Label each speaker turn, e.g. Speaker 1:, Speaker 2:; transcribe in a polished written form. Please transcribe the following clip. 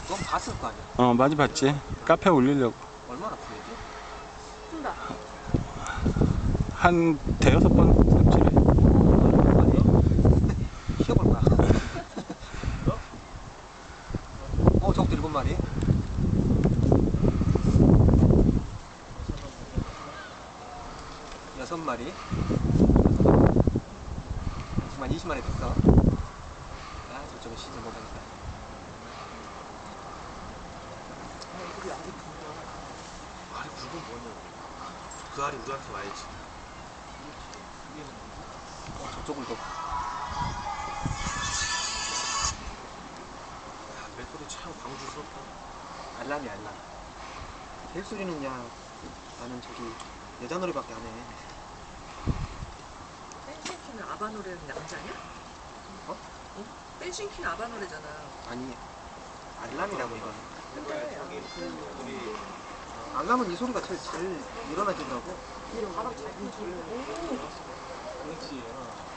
Speaker 1: 그건 봤을 거 아니야.
Speaker 2: 많이 봤지. 카페 올리려고.
Speaker 1: 얼마나 풀리지?
Speaker 3: 푼다.
Speaker 2: 한 대여섯 번 삽질해.
Speaker 1: 쉬어볼까? 적도 7마리. 여섯 마리. 정말 20마리 됐어. 아, 저쪽은 시즌 못하겠다.
Speaker 4: 알이 굵은 뭐냐고. 그 알이 우리한테 와야지.
Speaker 1: 저쪽을 더.
Speaker 4: 맷돌이 참 광주스럽다.
Speaker 1: 알람이 알람. 벨소리는 야, 나는 저기 여자 노래밖에 안 해.
Speaker 3: 댄싱킹은 아바 노래는 남자냐?
Speaker 1: 어?
Speaker 3: 응? 댄싱킹 아바 노래잖아.
Speaker 1: 아니, 알람이라고 이거.
Speaker 3: 근데
Speaker 1: 알람은 이 소리가 제일 일어나진다고.
Speaker 3: 바람 잘 불고.
Speaker 4: 그렇지.